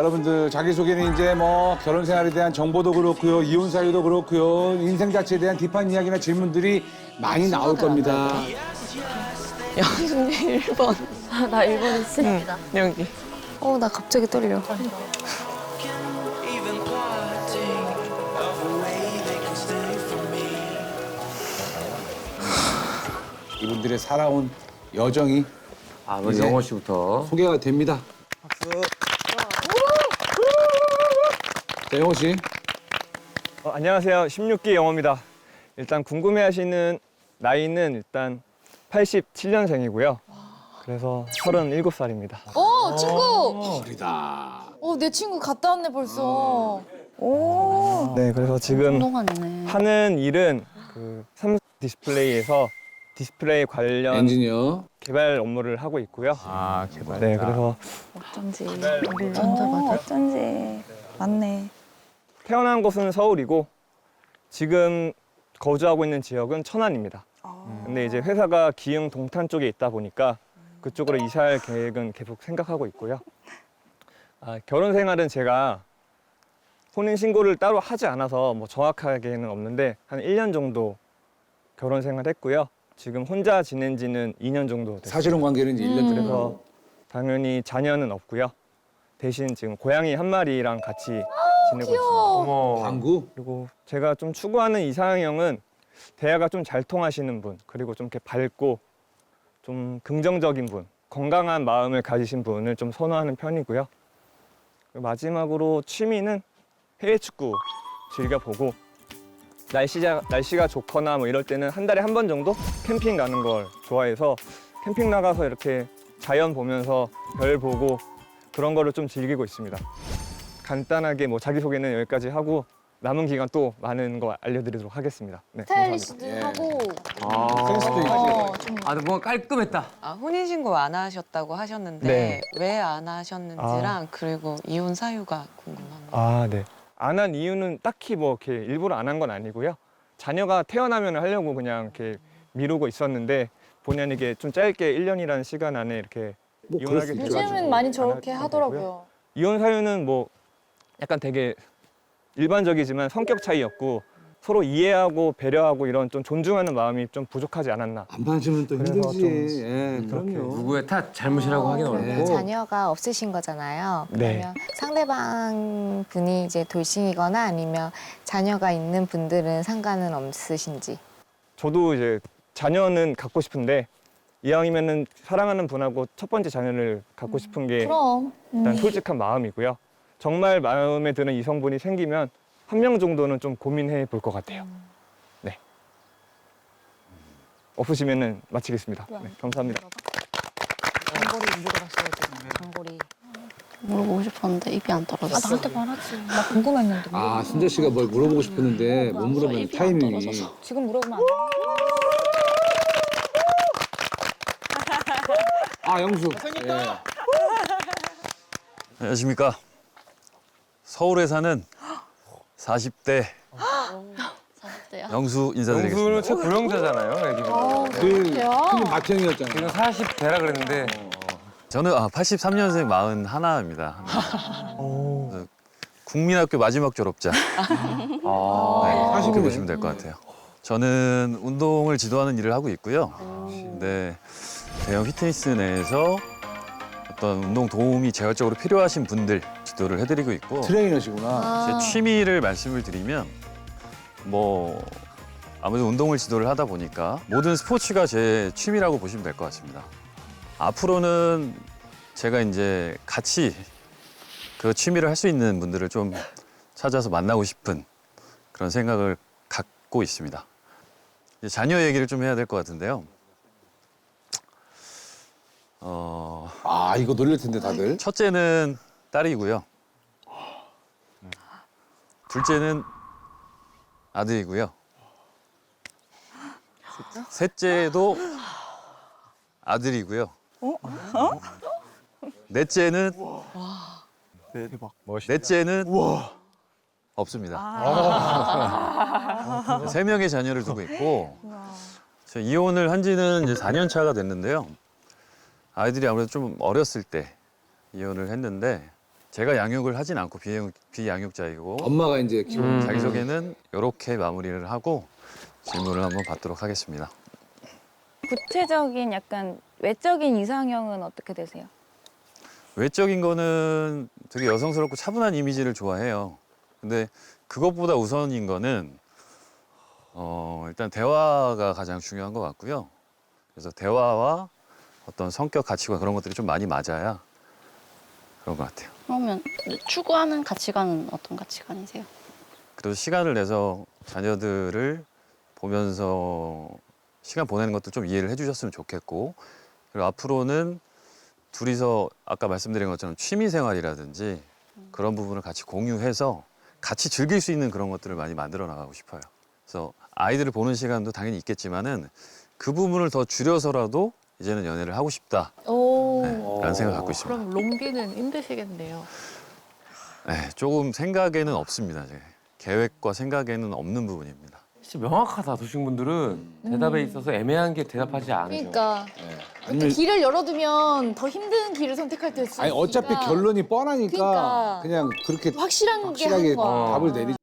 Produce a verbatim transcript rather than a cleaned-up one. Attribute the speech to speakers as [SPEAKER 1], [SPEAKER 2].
[SPEAKER 1] 여러분들 자기소개는 이제 뭐 결혼 생활에 대한 정보도 그렇고요. 이혼 사유도 그렇고요. 인생 자체에 대한 딥한 이야기나 질문들이 많이 나올 겁니다.
[SPEAKER 2] 영순이 일 번.
[SPEAKER 3] 아, 나 일본 있습니다.
[SPEAKER 2] 여기.
[SPEAKER 3] 어, 나 갑자기 떨려.
[SPEAKER 1] 이분들의 살아온 여정이
[SPEAKER 4] 아, 먼저
[SPEAKER 1] 이제
[SPEAKER 4] 영호 씨부터.
[SPEAKER 1] 소개가 됩니다. 박수. 자, 영호 씨.
[SPEAKER 5] 어, 안녕하세요. 십육 기 영호입니다. 일단 궁금해하시는 나이는 일단 팔십칠 년생이고요. 그래서 서른일곱 살입니다.
[SPEAKER 6] 어, 친구!
[SPEAKER 1] 어리다.
[SPEAKER 6] 어, 내 친구 갔다 왔네, 벌써.
[SPEAKER 2] 오.
[SPEAKER 5] 네, 그래서 지금
[SPEAKER 3] 운동하네.
[SPEAKER 5] 하는 일은 그 삼성 디스플레이에서 디스플레이 관련
[SPEAKER 1] 엔지니어.
[SPEAKER 5] 개발 업무를 하고 있고요.
[SPEAKER 4] 아, 개발.
[SPEAKER 5] 네, 그래서
[SPEAKER 2] 어쩐지.
[SPEAKER 3] 어,
[SPEAKER 2] 어쩐지. 맞네.
[SPEAKER 5] 태어난 곳은 서울이고 지금 거주하고 있는 지역은 천안입니다. 근데 이제 회사가 기흥 동탄 쪽에 있다 보니까 그쪽으로 이사할 계획은 계속 생각하고 있고요. 아, 결혼 생활은 제가 혼인 신고를 따로 하지 않아서 뭐 정확하게는 없는데 한 일 년 정도 결혼 생활했고요. 지금 혼자 지낸 지는 이 년 정도 됐어요.
[SPEAKER 1] 사실혼 관계는 이제 일 년 정도.
[SPEAKER 5] 그래서 당연히 자녀는 없고요. 대신 지금 고양이 한 마리랑 같이 지내고 있습니다.
[SPEAKER 4] 어머.
[SPEAKER 1] 방구?
[SPEAKER 5] 그리고 제가 좀 추구하는 이상형은 대화가 좀 잘 통하시는 분, 그리고 좀 이렇게 밝고 좀 긍정적인 분, 건강한 마음을 가지신 분을 좀 선호하는 편이고요. 그리고 마지막으로 취미는 해외 축구 즐겨보고 날씨가, 날씨가 좋거나 뭐 이럴 때는 한 달에 한 번 정도 캠핑 가는 걸 좋아해서 캠핑 나가서 이렇게 자연 보면서 별 보고 그런 거를 좀 즐기고 있습니다. 간단하게 뭐 자기소개는 여기까지 하고 남은 기간 또 많은 거 알려드리도록 하겠습니다. 네,
[SPEAKER 6] 스타일리시도
[SPEAKER 1] 예.
[SPEAKER 6] 하고.
[SPEAKER 4] 아,
[SPEAKER 1] 센스도 있고.
[SPEAKER 6] 어, 좀.
[SPEAKER 4] 아, 근데 뭔가 깔끔했다.
[SPEAKER 2] 아, 혼인신고 안 하셨다고 하셨는데
[SPEAKER 5] 네.
[SPEAKER 2] 왜 안 하셨는지랑 그리고 이혼 사유가 궁금합니다.
[SPEAKER 5] 아, 네. 안 한 이유는 딱히 뭐 이렇게 일부러 안 한 건 아니고요. 자녀가 태어나면 하려고 그냥 이렇게 미루고 있었는데 본의 아니게 좀 짧게 일 년이라는 시간 안에 이렇게
[SPEAKER 1] 뭐 그럴 수
[SPEAKER 5] 이혼하게
[SPEAKER 1] 있죠.
[SPEAKER 5] 돼가지고
[SPEAKER 6] 요즘은 많이
[SPEAKER 5] 안
[SPEAKER 6] 저렇게
[SPEAKER 5] 하게
[SPEAKER 6] 하더라고요.
[SPEAKER 5] 되고요. 이혼 사유는 뭐 약간 되게 일반적이지만 성격 차이였고 서로 이해하고 배려하고 이런 좀 존중하는 마음이 좀 부족하지 않았나.
[SPEAKER 1] 안 맞으면 또
[SPEAKER 5] 그래서
[SPEAKER 1] 힘들지.
[SPEAKER 5] 좀
[SPEAKER 1] 예, 그럼요.
[SPEAKER 4] 누구의 탓, 잘못이라고 하긴
[SPEAKER 1] 네.
[SPEAKER 4] 어렵고.
[SPEAKER 3] 자녀가 없으신 거잖아요.
[SPEAKER 5] 네.
[SPEAKER 3] 그러면 상대방 분이 이제 돌싱이거나 아니면 자녀가 있는 분들은 상관은 없으신지.
[SPEAKER 5] 저도 이제 자녀는 갖고 싶은데 이왕이면은 사랑하는 분하고 첫 번째 자녀를 갖고 싶은 게
[SPEAKER 6] 그럼.
[SPEAKER 5] 일단 솔직한 마음이고요. 정말 마음에 드는 이성분이 생기면 한 명 정도는 좀 고민해 볼 것 같아요. 네. 없으시면은 마치겠습니다. 네, 감사합니다.
[SPEAKER 3] 단골이 물어봤어야 돼. 단골이. 물어보고 싶었는데 입이 안 떨어졌어.
[SPEAKER 6] 아, 나한테 말하지. 나 궁금했는데.
[SPEAKER 1] 아, 순재 씨가 뭘 물어보고 싶었는데 못 물어보는 타이밍이.
[SPEAKER 6] 지금 물어보면 안 돼.
[SPEAKER 1] 아, 영수. 예.
[SPEAKER 7] 안녕하십니까. 서울에 사는 사십 대 영수 인사드리겠습니다.
[SPEAKER 4] 영수는 제 고령자잖아요, 애기가.
[SPEAKER 1] 그 형님 맏형이었잖아요.
[SPEAKER 4] 지금 사십 대라 그랬는데.
[SPEAKER 7] 저는 아, 팔십삼 년생 마흔하나입니다. 어, 국민학교 마지막 졸업자.
[SPEAKER 4] 아.
[SPEAKER 7] 네, 그렇게
[SPEAKER 1] 사십이네.
[SPEAKER 7] 보시면 될 것 같아요. 저는 운동을 지도하는 일을 하고 있고요. 근데 대형 피트니스 내에서 어떤 운동 도움이 재활적으로 필요하신 분들 지도를 해드리고 있고
[SPEAKER 1] 트레이너시구나.
[SPEAKER 7] 제 취미를 말씀을 드리면 뭐 아무래도 운동을 지도를 하다 보니까 모든 스포츠가 제 취미라고 보시면 될 것 같습니다. 앞으로는 제가 이제 같이 그 취미를 할 수 있는 분들을 좀 찾아서 만나고 싶은 그런 생각을 갖고 있습니다. 이제 자녀 얘기를 좀 해야 될 것 같은데요. 어,
[SPEAKER 1] 아, 이거 놀릴 텐데 다들.
[SPEAKER 7] 첫째는 딸이고요. 둘째는 아들이고요. 셋째도 아들이고요. 넷째는 넷째는 없습니다. 세 명의 자녀를 두고 있고 제가 이혼을 한 지는 이제 사 년 차가 됐는데요. 아이들이 아무래도 좀 어렸을 때 이혼을 했는데 제가 양육을 하진 않고 비양, 비양육자이고
[SPEAKER 1] 엄마가 이제 키우는
[SPEAKER 4] 음.
[SPEAKER 7] 자기소개는 이렇게 마무리를 하고 질문을 한번 받도록 하겠습니다.
[SPEAKER 6] 구체적인 약간 외적인 이상형은 어떻게 되세요?
[SPEAKER 7] 외적인 거는 되게 여성스럽고 차분한 이미지를 좋아해요. 근데 그것보다 우선인 거는 어, 일단 대화가 가장 중요한 것 같고요. 그래서 대화와 어떤 성격, 가치관 그런 것들이 좀 많이 맞아야 그런 것 같아요.
[SPEAKER 8] 그러면 추구하는 가치관은 어떤 가치관이세요?
[SPEAKER 7] 그래도 시간을 내서 자녀들을 보면서 시간 보내는 것도 좀 이해를 해주셨으면 좋겠고, 그리고 앞으로는 둘이서 아까 말씀드린 것처럼 취미 생활이라든지 그런 부분을 같이 공유해서 같이 즐길 수 있는 그런 것들을 많이 만들어 나가고 싶어요. 그래서 아이들을 보는 시간도 당연히 있겠지만은 그 부분을 더 줄여서라도 이제는 연애를 하고 싶다.
[SPEAKER 6] 오.
[SPEAKER 7] 네, 라는 생각을 갖고 있습니다.
[SPEAKER 9] 그럼 롱디는 힘드시겠네요.
[SPEAKER 7] 네, 조금 생각에는 없습니다. 제 계획과 생각에는 없는 부분입니다.
[SPEAKER 4] 진짜 명확하다. 도식분들은 대답에 있어서 애매한 게 대답하지 않으셔.
[SPEAKER 6] 그러니까
[SPEAKER 1] 아니면
[SPEAKER 6] 길을 열어두면 더 힘든 길을 선택할 때 있으니까.
[SPEAKER 1] 아니 어차피 결론이 뻔하니까
[SPEAKER 6] 그러니까.
[SPEAKER 1] 그냥 그렇게
[SPEAKER 6] 확실한 게
[SPEAKER 1] 확실하게
[SPEAKER 6] 하는 거야.
[SPEAKER 1] 답을 내리.